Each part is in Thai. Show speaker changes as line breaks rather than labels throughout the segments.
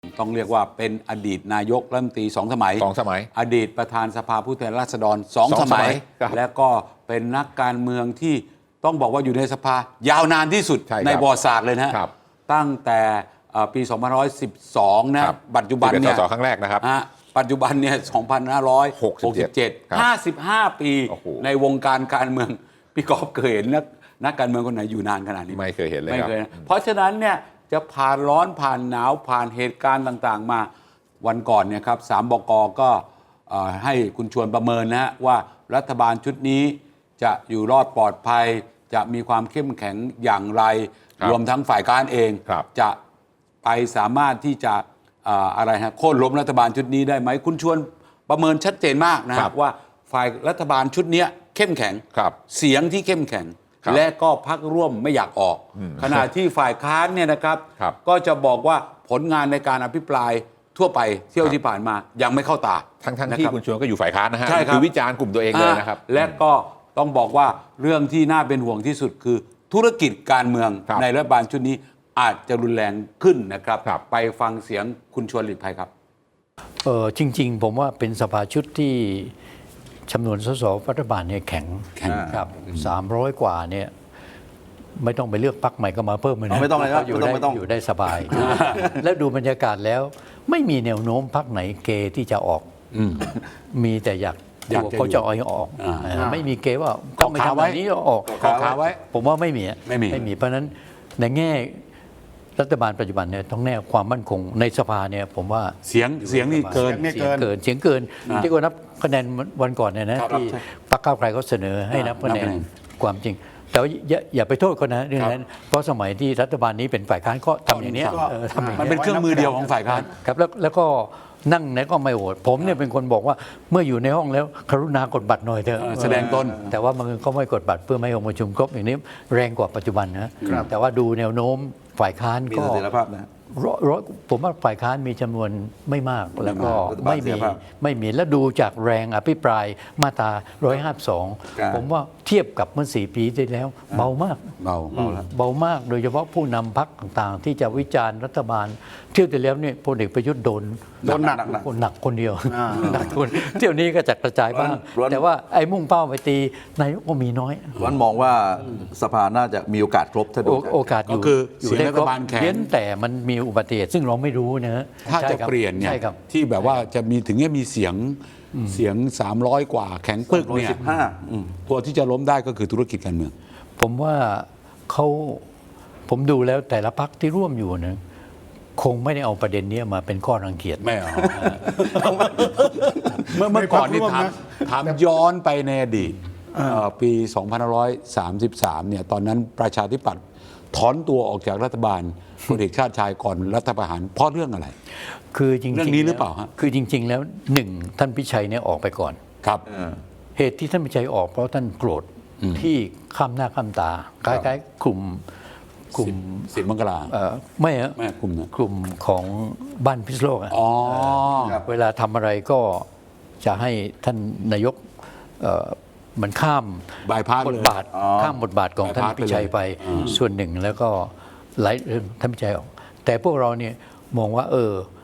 ต้องเรียกว่าเป็นอดีตนายกรัฐมนตรี2 สมัยอดีตประธานสภาผู้แทนราษฎร2 สมัยและก็เป็นนักการเมืองที่ต้องบอกว่าอยู่ในสภายาวนานที่สุดในประวัติศาสตร์เลยนะตั้งแต่ปี2512นะปัจจุบันเนี่ย
ครั้งแรกนะครับ
ปัจจุบันเนี่ย2567 55 ปีในวงการการเมืองพี่กอล์ฟเคยเห็นนักการเมืองคนไหนอยู่นานขนาดนี้
ไม่เคยเห็นเลย
ไม่เคยเพราะฉะนั้นเนี่ยจะผ่านร้อนผ่านหนาวผ่านเหตุการณ์ต่างๆมาวันก่อนเนี่ยครับ3 บก.ก็ให้คุณชวนประเมินนะฮะว่ารัฐบาลชุดนี้จะอยู่รอดปลอดภัยจะมีความเข้มแข็งอย่างไรรวมทั้งฝ่ายค้านเองจะไปสามารถที่จะอะไรฮะโค่นล้มรัฐบาลชุดนี้ได้ไหมคุณชวนประเมินชัดเจนมากนะครับว่าฝ่ายรัฐบาลชุดนี้เข้มแข็งเสียงที่เข้มแข็งและก็พรรคร่วมไม่อยากออกขณะที่ฝ่ายค้านเนี่ยนะครับก็จะบอกว่าผลงานในการอภิปรายทั่วไปเที่ยวที่ผ่านมายังไม่เข้าตา
ทั้งที่คุณชวนก็อยู่ฝ่ายค้านนะฮะคือวิจารณ์กลุ่มตัวเองเลยนะครับ
และก็ต้องบอกว่าเรื่องที่น่าเป็นห่วงที่สุดคือธุรกิจการเมืองในรัฐบาลชุดนี้อาจจะรุนแรงขึ้นนะครับไปฟังเสียงคุณชวนหลีกภัยครับ
จริงๆผมว่าเป็นสภาชุดที่จำนวนสสรัฐบาลเนี่ยแข็งครับ300 กว่าเนี่ยไม่ต้องไปเลือกพรรคใหม่ก็มาเพิ่มเลยนะ
ไม่ต้องเลยครับ
อยู่ได้สบาย แล้วดูบรรยากาศแล้วไม่มีแนวโน้มพรรคไหนเกที่จะออกมีแต่อยากเขาจะเอาออกไม่มีเกว่าต้องไปทำแบบนี้ออก
ขาไว้
ผมว่าไม่มีเพราะฉะนั้นในแง่รัฐบาลปัจจุบันเนี่ยต้องแน่ความมั่นคงในสภาเนี่ยผมว่า
เสียงนี่เกิน
ที่ก็นับคะแนนวันก่อนเนี่ยนะที่พรรคก้าวไกลเขาเสนอให้นับคะแนนความจริงแต่อย่าไปโทษเขานะเรื่องนั้นเพราะสมัยที่รัฐบาลนี้เป็นฝ่ายค้านก็ทำอย่างนี้
มันเป็นเครื่องมือเดียวของฝ่ายค้าน
ครับแล้วก็นั่งไหนก็ไม่โหวตผมเนี่ยเป็นคนบอกว่าเมื่ออยู่ในห้องแล้วกรุณากดบัตรหน่อยเถอะ
แสดงตน
แต่ว่ามันก็ไม่กดบัตรเพื่อไม่ให้องค์ประชุมครบอย่างนี้แรงกว่าปัจจุบันนะแต่ว่าดูแนวโน้มฝ่ายค้านก็ผมว่าฝ่ายค้านมีจำนวนไม่มากแล้วก็ไม่มีและดูจากแรงอภิปรายมาตรา152ผมว่าเทียบกับเมื่อ4 ปีที่แล้วเบามากเบามากโดยเฉพาะผู้นำพรรคต่างๆที่จะวิจารณ์รัฐบาลเที่ยวที่แล้วเนี่ยพลเอกประยุทธ์โดนหนักคนเดียวหนักคนเที่ยวนี้ก็จะกระจายบ้างแต่ว่าไอ้มุ่งเป้าไปตีนายกก็มีน้อย
วันมองว่าสภาน่าจะมีโอกาสครบถ้าดู
โอกาสอยู่
เสียงรัฐบาลแข็ง
แต่มันมีอุบัติเหตุซึ่งเราไม่รู้นะ
ถ้าจะเปลี่ยนเนี่ยที่แบบว่าจะมีถึงมีเสียง300 กว่าแข็งปึกเนี่ยตัวที่จะล้มได้ก็คือธุรกิจการเมือง
ผมว่าผมดูแล้วแต่ละพรรคที่ร่วมอยู่นะคงไม่ได้เอาประเด็นนี้มาเป็นข้อรังเกียจ
ไม่เอาเมื่อก่อนนี่ถามย้อนไปในอดีตปี2533เนี่ยตอนนั้นประชาธิปัตย์ถอนตัวออกจากรัฐบาลพลเอกชาติชายก่อนรัฐประหารเพราะเรื่องอะไร
คือจริงๆ
เรื่องนี้หรือเปล่าฮะ
คือจริงๆแล้ว1ท่านพิชัยเนี่ยออกไปก่อน
ครับ
เหตุที่ท่านพิชัยออกเพราะท่านโกรธที่ข้ามหน้าข้ามตาคล้ายๆกลุ่ม
สิบมังกรา
ไม่กลุ่มของบ้านพิษโลกเวลาทำอะไรก็จะให้ท่านนายกมันข้ามบทบาทของท่านพิชัยไปส่วนหนึ่งแล้วก็หลายเรื่องท่านพิชัยออกแต่พวกเราเนี่ยมองว่า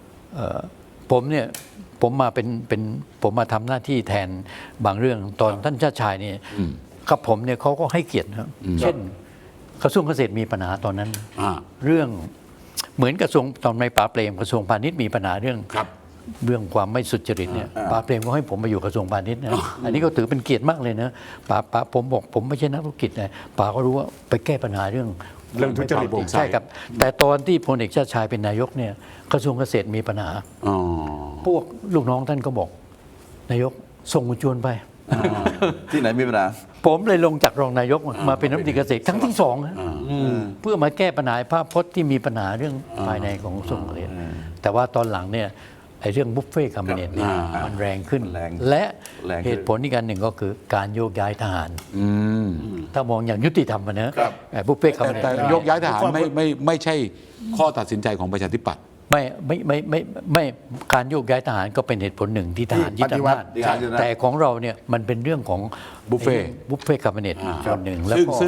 ผมมาทำหน้าที่แทนบางเรื่องตอนท่านชาติชายเนี่ยกับผมเนี่ยเขาก็ให้เกียรติครับเช่นกระทรวงเกษตรมีปัญหาตอนนั้นเรื่องเหมือนกระทรวงตอนในป่าเปรมกระทรวงพาณิชย์มีปัญหาเรื่องความไม่สุจริตเนี่ยป่าเปรมก็ให้ผมมาอยู่กระทรวงพาณิชย์นะอันนี้ก็ถือเป็นเกียรติมากเลยนะป่าผมบอกผมไม่ใช่นักธุรกิจนะป่าก็รู้ว่าไปแก้ปัญหาเรื่อง
ทุจริต
ใช่ครับแต่ตอนที่พลเอกชาติชายเป็นนายกเนี่ยกระทรวงเกษตรมีปัญหาพวกลูกน้องท่านก็บอกนายกส่งคุณชวนไป
ที่ไหนมีปัญหา
ผมเลยลงจากรองนายกมาเป็นรัฐมนตรีเกษตรครั้งที่2เพื่อมาแก้ปัญหาภาพพจน์ที่มีปัญหาเรื่องภายในของกระทรวงเกษตรแต่ว่าตอนหลังเนี่ยไอ้เรื่องบุฟเฟ่ต์คาบิเนตเนี่ยมันแรงขึ้นและเหตุผลอีกอันหนึ่งก็คือการโยกย้ายทหารถ้ามองอย่างยุติธรรมนะบุฟเฟ่ต์คาบิเนต
แต่โยกย้ายทหารไม่ใช่ข้อตัดสินใจของประชาธิปัตย์
ไม่การโยกย้ายทหารก็เป็นเหตุผลหนึ่งที่ทหารยึดอำนาจแต่ของเราเนี่ยมันเป็นเรื่องของ
บุฟเฟ่
คาบิเนตส่วนหนึ่งแล้วก็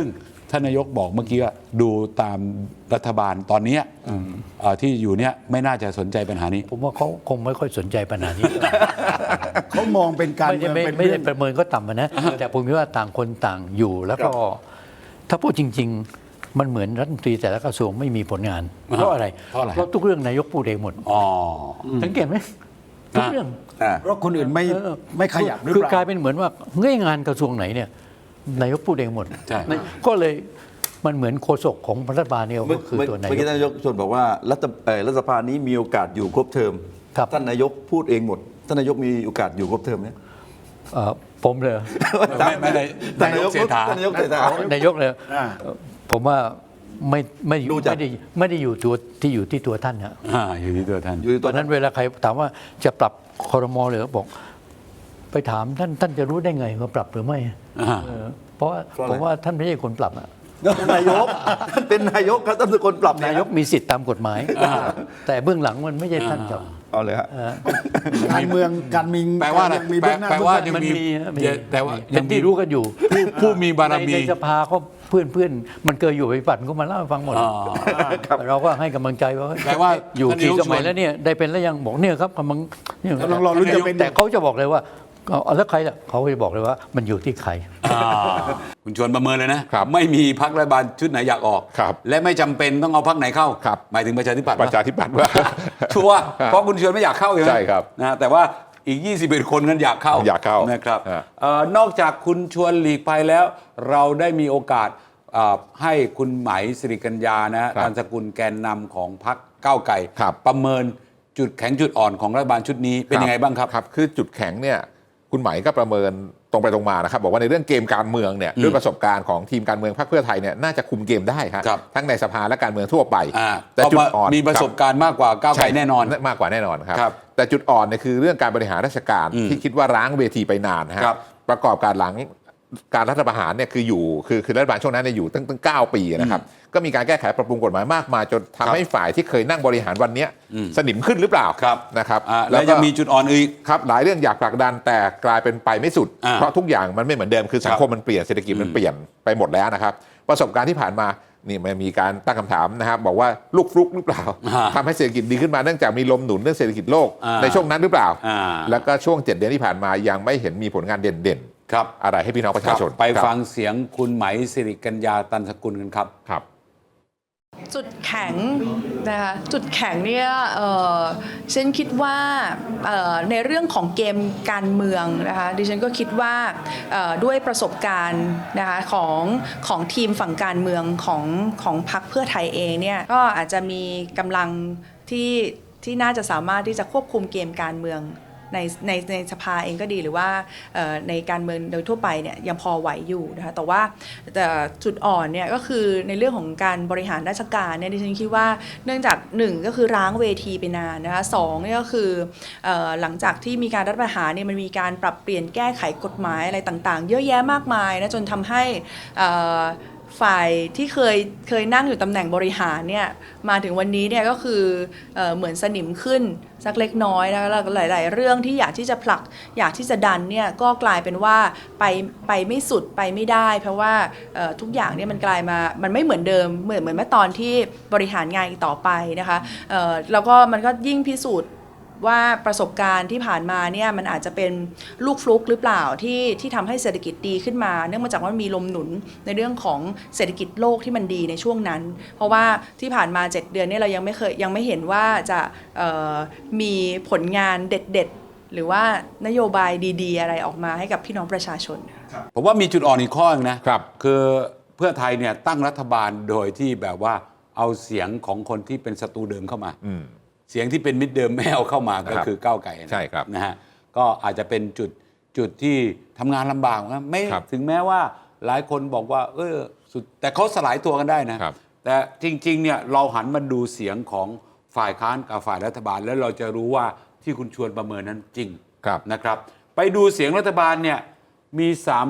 ท่านนายกบอกเมื่อกี้ว่าดูตามรัฐบาลตอนเนี้ยที่อยู่เนี่ยไม่น่าจะสนใจปัญหานี้
ผมว่าเขาคงไม่ค่อยสนใจปัญหานี้
เขามองเป็นการเมืองเป็น
ไม่
เรื่
ได้
อง
ประเมินก็ต่ำนะ แต่ผมคิดว่าต่างคนต่างอยู่แล้วก็ถ้าพูดจริง ๆ มันเหมือนรัฐมนตรีแต่ละกระทรวงไม่มีผลงาน เพราะอะไร
เพราะอะไร
เพราะทุกเรื่องนายกพูดเองหมด
อ๋อ
สังเกตไหมทุกเรื่อง
เพราะคนอื่นไม่ขยับหรือ
คือ
เป
กลา
ล่า
ยเป็นเหมือนว่าเงื่อนงานกระทรวงไหนเนี่ยนายกพูดเองหมด
ใช่
ก็เลยมันเหมือนโฆษกของรัฐบาลเนี่ย
เมื่อ
ก็คือตัวนาย
เมื่อก กี้ท่านนายกชวนบอกว่ารัฐสภานี้มีโอกาสอยู่ครบเทอม
ครับ
ท่านนายกพูดเองหมดท่านนายกมีโอกาสอยู่ครบเทอมไหม
ผมเลย
ไม่ได้นายกเศรษฐา
ท่านนายกเศรษฐา
นายกเลย
อ่า
ผมว่าไม่
ดูจาก
ไม่ได้อยู่ที่ตัวท่านฮะ
อยู่ที่ตัวท่าน
อยู่ที่
ต
ตั
อ
วน
นั้นเวลาใครถามว่าจะปรับครมหรือบอก ไปถามท่านจะรู้ได้ไงว่าปรับหรือไม่
อ่า
เพราะว่าผมว่าท่านไม่ใช่คนปรับอะ
ท่านนายกท่านเป็นนายกครับท่านเป็นคนปรับ
นายกมีสิทธิ์ตามกฎหมาย แต่เบื้องหลังมันไม่ใช่ท่านครับ
เอาเลยฮะ
การเมืองการมี
แปลว่าอะไร
มีเบื้องหน้า
แปลว่า
เบื้องหลัง
ยังมี แต่ว่า
เป็นที่รู้กันอยู่
ผู้มีบารมี
ในสภาก็เพื่อนมันเคยอยู่ไปปั่นก็มาเล่าให้ฟังหมด
อ๋อ
เราก็ให้กำลังใจว่า
แปลว่า
อยู่
ท่านนาย
กี่
ก
สมัย
ชวน
แล้วเนี่ยได้เป็นแล้วยังบอกเนี่ยครับกำลังเนี่ย
กำลังรอลุ้นจะเป็น
แต่เขาจะบอกเลยว่าเอาแล้วใครล่ะเขาจะบอกเลยว่ามันอยู่ที่ใคร
คุณชวนประเมินเลยนะครับ ไม่มีพรรครัฐบาลชุดไหนอยากออก
ครับ
และไม่จำเป็นต้องเอาพรรคไหนเข้า
ครับ
หมายถึงประชาธิปัตย์
ประชาธิปัตย์ว่า
ชัวร์เพราะคุณชวนไม่อยากเข้าอยู่
ใช่ครับ
นะแต่ว่าอีก 21 คนนั้นอยากเข้า
อยากเข้า
นะครับ
ฮะ
นอกจากคุณชวนหลีกภัยแล้ว เราได้มีโอกาสให้คุณไหมสิริกัญญานะฮะ
ครับ
ตันสกุลแกนนำของพรรคก้าวไกล
ครับ
ประเมินจุดแข็งจุดอ่อนของรัฐบาลชุดนี้เป็นยังไงบ้างครับ
ครับคือจุดแข็งเนี่ยคุณไหมก็ประเมินตรงไปตรงมานะครับบอกว่าในเรื่องเกมการเมืองเนี่ยด้วยประสบการณ์ของทีมการเมืองพรรคเพื่อไทยเนี่ยน่าจะคุมเกมได้ครับ
ครับ
ทั้งในสภาและการเมืองทั่วไป
แต่
แต่จุดอ่อน
มีประสบการณ์มากกว่าก้าวไกลแน่นอน
มากกว่าแน่นอนครับ
ครับ
แต่จุดอ่อนเนี่ยคือเรื่องการบริหารราชการที่คิดว่าร้างเวทีไปนานนะฮะ
ครับ
ประกอบการหลังการรัฐประหารเนี่ยคือรัฐบาลช่วงนั้นเนี่ยอยู่ตั้ง9 ปีนะครับก็มีการแก้ไขปรับปรุงกฎหมายมากมายจนทำให้ฝ่ายที่เคยนั่งบริหารวันเนี้ยสนิมขึ้นหรือเปล่า
ครับ
นะครับ
แล้วยังมีจุดอ่อนอีก
ครับหลายเรื่องอยากผลักดันแต่กลายเป็นไปไม่สุด
อ่า
เพราะทุกอย่างมันไม่เหมือนเดิมคือสังคมมันเปลี่ยนเศรษฐกิจมันเปลี่ยนไปหมดแล้วนะครับประสบการณ์ที่ผ่านมานี่มันมีการตั้งคำถามนะครับบอกว่าลูกฟลุกหรือเปล่าทำให้เศรษฐกิจดีขึ้นมาเนื่องจากมีลมหนุนเรื่องเศรษฐกิจโลกในช่วงนั้นหรือเปล่า แล้วก็ช่วง7 เดือนที่ผ่านมายังไม่เห็นมีผลงานเด่น
ครับ
ๆอะไรให้พี่น้องประชาชน
ไป
ครับ
ฟังเสียงคุณไหมสิริกัญญาตันสกุลกันครับ
ครับ
จุดแข็งนะคะจุดแข็งเนี่ยฉันคิดว่าในเรื่องของเกมการเมืองนะคะดิฉันก็คิดว่าด้วยประสบการณ์นะคะของทีมฝั่งการเมืองของพรรคเพื่อไทยเองเนี่ยก็อาจจะมีกำลังที่น่าจะสามารถที่จะควบคุมเกมการเมืองในสภาเองก็ดีหรือว่าในการเมืองโดยทั่วไปเนี่ยยังพอไหวอยู่นะคะแต่ว่าจุดอ่อนเนี่ยก็คือในเรื่องของการบริหารราชการเนี่ยดิฉันคิดว่าเนื่องจาก1ก็คือร้างเวทีไปนานนะคะ2เนี่ยก็คือหลังจากที่มีการรัฐประหารเนี่ยมันมีการปรับเปลี่ยนแก้ไขกฎหมายอะไรต่างๆเยอะแยะมากมายนะจนทำให้ฝ่ายที่เคยนั่งอยู่ตำแหน่งบริหารเนี่ยมาถึงวันนี้เนี่ยก็คือเหมือนสนิมขึ้นสักเล็กน้อยนะแล้วหลายๆเรื่องที่อยากที่จะผลักอยากที่จะดันเนี่ยก็กลายเป็นว่าไปไม่สุดไปไม่ได้ เพราะว่าทุกอย่างเนี่ยมันกลายมามันไม่เหมือนเดิมเหมือนเมื่อตอนที่บริหารงานอีกต่อไปนะคะแล้วก็มันก็ยิ่งพิสูจน์ว่าประสบการณ์ที่ผ่านมาเนี่ยมันอาจจะเป็นลูกฟลุกหรือเปล่าที่ทำให้เศรษฐกิจดีขึ้นมาเนื่องมาจากว่ามีลมหนุนในเรื่องของเศรษฐกิจโลกที่มันดีในช่วงนั้น เพราะว่าที่ผ่านมา7 เดือนเนี่ยเรายังไม่เห็นว่าจะมีผลงานเด็ดๆหรือว่านโยบายดีๆอะไรออกมาให้กับพี่น้องประชาชน
ผมว่ามีจุดอ่อนอีกข้อนึงนะครับ คือเพื่อไทยเนี่ยตั้งรัฐบาลโดยที่แบบว่าเอาเสียงของคนที่เป็นศัตรูเดิมเข้ามาเสียงที่เป็นมิตรเดิมไม่เอาเข้ามาก็คือก้าวไกล
ใช่ครับ
นะฮะก็อาจจะเป็นจุดที่ทำงานลำบากนะไม่
ครับ
ถึงแม้ว่าหลายคนบอกว่าสุดแต่เขาสลายตัวกันได้นะครับ แต่จริงๆเนี่ยเราหันมาดูเสียงของฝ่ายค้านกับฝ่ายรัฐบาลแล้วเราจะรู้ว่าที่คุณชวนประเมินนั้นจริง
ครับ
นะครับไปดูเสียงรัฐบาลเนี่ยมี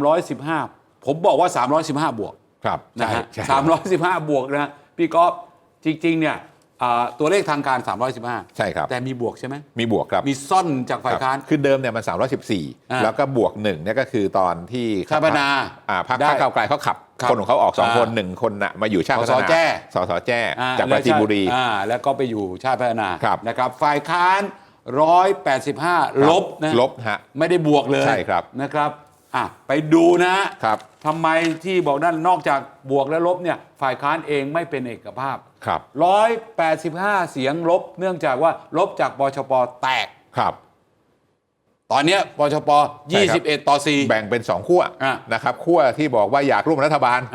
315ผมบอกว่า 315 บวก
ครับ
นะฮะ
ใช่
315 บวกนะพี่ก๊อฟจริงๆเนี่ยตัวเลขทางการ 315
ใช่ครับ
แต่มีบวกใช่ไหม
มีบวกครับ
มีซ่อนจากฝ่ายค้าน
คือเดิมเนี่ยมัน 314 แล้วก็บวก1เนี่ยก็คือตอนที่
ชาติพัฒนา
พรรค
ได้
ก้าวไกลเขาขับ
ครับ
คนของเขาออก2คน
อ่า
1 คนน่ะมาอยู่ชาติพัฒ
ส
นา
สแจ้
สแจ้จากปราจีนบุรี
แล้วก็ไปอยู่ชาติพัฒนา
ครับ
นะครับฝ่ายค้าน 185 ลบนะ
ลบฮะ
ไม่ได้บวกเลย
ใช่ครับ
นะครับไปดูนะครับ ทำไมที่บอกนั่นนอกจากบวกและลบเนี่ยฝ่ายค้านเองไม่เป็นเอกภาพ
ครับ
185 เสียงลบ เนื่องจากว่าลบจากปชปแตก
ครับ
ตอนเนี้ยปชป
ใช่ครับ
21 ต่อ 4
แบ่งเป็น2ขั้ว
อ่ะ
นะครับขั้วที่บอกว่าอยากร่วมรัฐบาล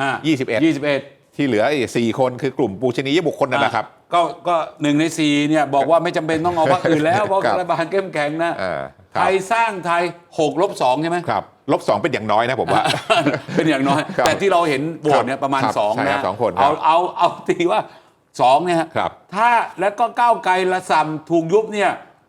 21 ที่เหลืออีก4คนคือกลุ่มปูชนียบุคคลนั่นแหละครับ
ก็1 ใน 4เนี่ยบอกว่าไม่จำเป็นต้องเอาพรรคอื่นแล้ว เพราะ
ครับ
รัฐบาลเข้มแข็งนะ
ครับ
ไทยสร้างไทย6 ลบ 2 ใช่ไหม
ครับ-2เป็นอย่างน้อยนะผมว่า
เป็นอย่างน้อย
ครับ
แต่ที่เราเห็นโหวตเนี่ยประมาณ
ครับ
2
ใช่ครั
นะ
บ2คนครับ
เอาตีว่า 2 เนี่ยฮะ
ครับ
ถ้าแล้วก็ก้าวไกลละส่ำถูกยุบเนี่ย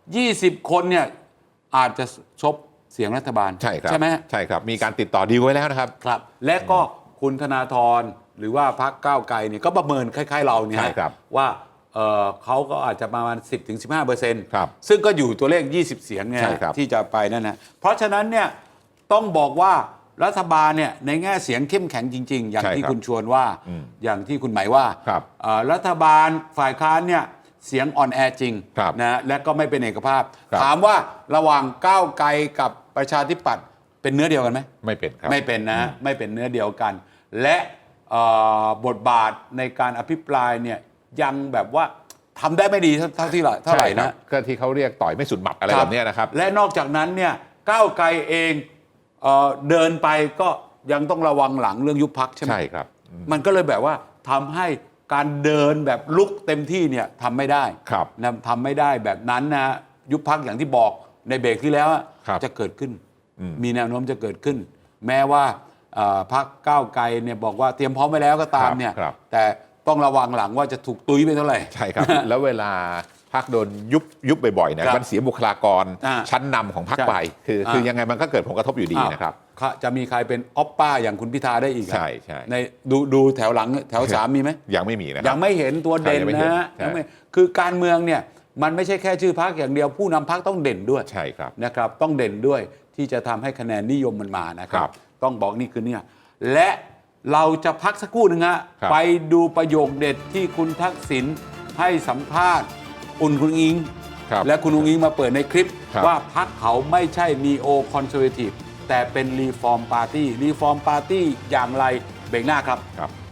20 คนเนี่ยอาจจะซบเสียงรัฐบาล
ใช่ครับ
ใช่ไหม
ใช่ครับมีการติดต่อดีลไว้แล้วนะครับ
ครับ และก็คุณธนาธรหรือว่าพรรคก้าวไกลเนี่ยก็ประเมินคล้ายๆเราเนี่ย
ใช่ครับ
ว่าเขาก็อาจจะประมาณ 10-15%
ครับ
ซึ่งก็อยู่ตัวเลข 20 เสียงไง
ใช่ครับ
ที่จะไปนั่นนะเพราะฉะนั้นเนี่ยต้องบอกว่ารัฐบาลเนี่ยในแง่เสียงเข้มแข็งจริง ๆ อย่างที่คุณชวนว่า อย่างที่คุณหมายว่า
ครับ
รัฐบาลฝ่ายค้านเนี่ยเสียงอ่อนแอจริง
ครับ
นะและก็ไม่เป็นเอกภาพ
ครับ
ถามว่าระหว่างก้าวไกลกับประชาธิปัตย์เป็นเนื้อเดียวกันไหม
ไม่เป็นครับ
ไม่เป็นนะ ไม่เป็นเนื้อเดียวกัน และบทบาทในการอภิปรายเนี่ยยังแบบว่าทำได้ไม่ดีเท่าไหร่
ใช่ครั
นะ
บก็ที่เขาเรียกต่อยไม่สุดหมัดอะไรแบบเนี้ยนะครับ
และนอกจากนั้นเนี่ยก้าวไกลเองเดินไปก็ยังต้องระวังหลังเรื่องยุบพักใช่ไหม
ใช่ครับ
มันก็เลยแบบว่าทำให้การเดินแบบลุกเต็มที่เนี่ยทำไม่ได้
ครับ
นะทำไม่ได้แบบนั้นนะยุบพักอย่างที่บอกในเบรกที่แล้วอะ
ครับ
จะเกิดขึ้น มีแนวโน้มจะเกิดขึ้น แม้ว่าพรรคก้าวไกลเนี่ยบอกว่าเตรียมพร้อมไว้แล้วก็ตามเนี่ย
ครับ
แต่ต้องระวังหลังว่าจะถูกตุ้ยไปเท่าไหร่
ใช่ครับ แล้วเวลาพรรคโดนยุบบ่อยๆนะครับ มันเสียบุคลากร
อ่า
ชั้นนำของพรรค
ใช่
ไปคือยังไงมันก็เกิดผลกระทบอยู่ดีนะครับ
อ้าวจะมีใครเป็นออปป้าอย่างคุณพิธาได้อีกอะ
ใช่ใช่
ในดูแถวหลังแถวสามมีไหม
ยังไม่มีนะค
ยั
รั
ง
บ
ไม่เห็นตัวเด่น
ใช่ยังไม่เห็น
นะ
ใช่
ยังไม่คือการเมืองเนี่ยมันไม่ใช่แค่ชื่อพรรคอย่างเดียวผู้นำพรรคต้องเด่นด้วย
ใช่ครับ
นะครับต้องเด่นด้วยที่จะทำให้คะแนนนิยมมันมานะครั
ครับ บ
ต้องบอกนี่คือเนี่ยและเราจะพักสักครู่หนึ่งฮะ
ครับ
ไปดูประโยคเด็ดที่คุณทักษิณให้สัมภาษณ์คุณอิง
ครับ
และคุณอิงมาเปิดในคลิป
ครับ
ว่าพรรคเขาไม่ใช่นีโอคอนเซอร์เวทีฟแต่เป็นรีฟอร์มปาร์ตี้อย่างไรเบรกหน้าครับ
ครับ